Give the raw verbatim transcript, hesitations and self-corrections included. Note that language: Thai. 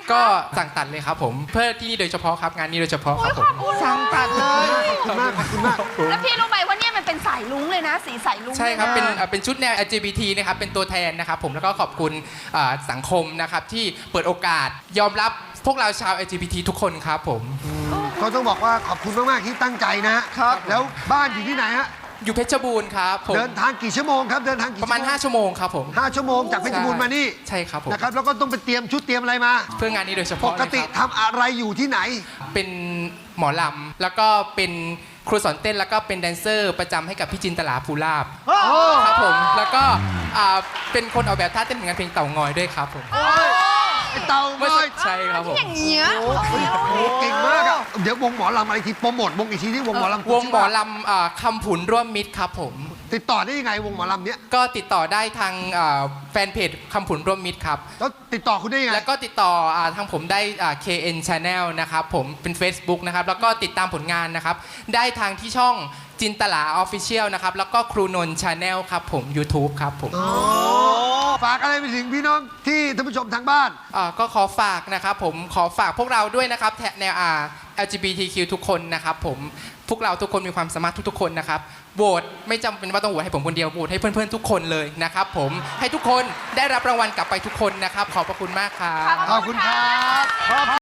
ก็สั่งตัดเลยครับผมเพื่อที่นี่โดยเฉพาะครับงานนี้โดยเฉพาะครับผมสั่งตัดเลยขอบคุณมากขอบคุณมากแล้วพี่รู้ไหมว่าเนี่ยมันเป็นสายลุ้งเลยนะ สีสายลุ้งใช่ครับลยเป็นนะเอ่อเป็นชุดแนว แอล จี บี ที นะครับเป็นตัวแทนนะครับผมแล้วก็ขอบคุณอ่าสังคมนะครับที่เปิดโอกาสยอมรับพวกเราชาว แอล จี บี ที ทุกคนครับผมก็ต้องบอกว่าขอบคุณมากๆที่ตั้งใจนะครับแล้วบ้านอยู่ที่ไหนฮะอยู่เพชรบูรณ์ครับผมเดินทางกี่ชั่วโมงครับเดินทางกี่ประมาณชั่วโงห้า ชั่วโมงครับผมห้าชั่วโมงจากเพชรบูรณ์มานี่ใช่ครับผมนะครับแล้วก็ต้องไปเตรียมชุดเตรียมอะไรมาเพื่องานนี้โดยเฉปพาะกติเลยครับทำอะไรอยู่ที่ไหนเป็นหมอลำแล้วก็เป็นครูสอนเต้นแล้วก็เป็นแดนเซอร์ประจำให้กับพี่จินตลาภูลาภครับผมแล้วก็อ่าเป็นคนออกแบบท่าเต้นเหมือนกันเพลงเต่างอยด้วยครับผมไอ้เต่าเมื่อง้อยใช่ครับผมอย่างเงี้ยโอ้โหเก่งมากอะเดี๋ยววงหมอลำอะไรทีโปรโมทวงอีกทีที่วงหมอลำวงหมอลำอ่าคำผุนร่วมมิตรครับผมติดต่อได้ยังไงวงหมอลำเนี้ยก็ติดต่อได้ทางอ่าแฟนเพจคำผุนร่วมมิตรครับแล้วติดต่อคุณได้ยังไงแล้วก็ติดต่ออาทางผมได้อ่า เค เอ็น Channel นะครับผมเป็น Facebook นะครับแล้วก็ติดตามผลงานนะครับได้ทางที่ช่องจินตลา Official นะครับแล้วก็ครูนนท์ Channel ครับผม YouTube ครับผมฝากอะไรไปถึงพี่น้องที่ท่านผู้ชมทางบ้านอ่าก็ขอฝากนะครับผมขอฝากพวกเราด้วยนะครับแถแนวอ่า แอล จี บี ที คิว ทุกคนนะครับผมพวกเราทุกคนมีความสามารถทุกๆคนนะครับโหวตไม่จำเป็นว่าต้องโหวตให้ผมคนเดียวโหวตให้เพื่อนๆทุกคนเลยนะครับผมให้ทุกคนได้รับรางวัลกลับไปทุกคนนะครับขอบพระคุณมากครับขอบคุณครับ